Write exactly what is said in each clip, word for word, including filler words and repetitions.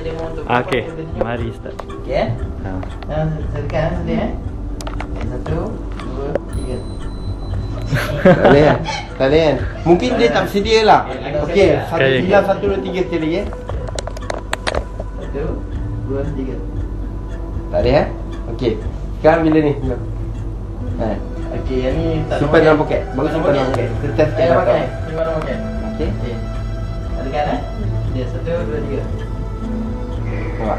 demo untuk Okey, mari start. Okey eh. Ha. Nah, saya tekan eh, sedih eh. Okay, satu, dua, tiga. Tak boleh kan? Tak boleh kan? Mungkin dia tak bersedia lah. Okey, satu Okey. bilang satu dua tiga sekali lagi eh. Satu, dua, tiga. Tak boleh eh? Okey. Sekarang bila ni? Ha. Okey, yang ni tak Simpan dalam poket. Baru simpan dalam poket. Kita test Saya kita pakai. Simpan dalam poket. Okey. Okey. Tekan eh. Dia satu, dua, tiga. Nampak?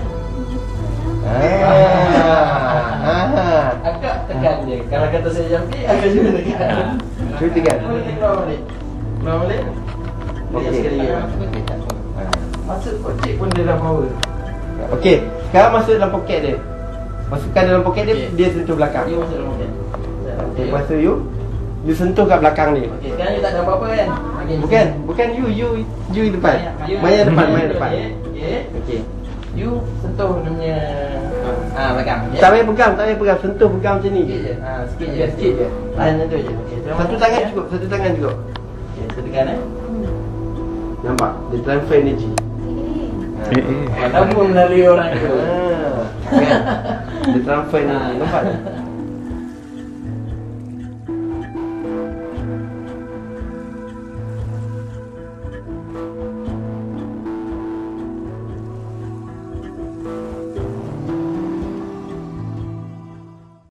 Ah. Ah. Agak tekan dia. Kalau kata saya jampi, agak juga tekan. Cuba tekan. Keluar balik. Keluar balik. Okey. Sekali lagi. Masuk kocik pun dia dah power. Okey, sekarang masuk dalam poket dia. Masukkan dalam poket dia, Okey. dia sentuh belakang. You masuk dalam poket. Okey, lepas tu you you sentuh kat belakang dia. Okey, sekarang you tak ada apa-apa kan? Okay, Bukan, bukan you, you you depan. You- Maya depan, Maya depan. Okey. Okey. Okey. You sentuh dia punya ah belakang. okey? Tak payah pegang, tak payah pegang, sentuh pegang macam ni. Sikit je. Ha, sikit je. Ya, sikit je. Ah, macam tu je. Okey. terima Satu kasih, tangan ya. cukup, satu tangan cukup. Okey, saya tekan eh. Nampak? Dia transfer energy. Eh, eh. Mana pun melalui orang itu. Ah. Kan? Dia transfer energy, nampak tak?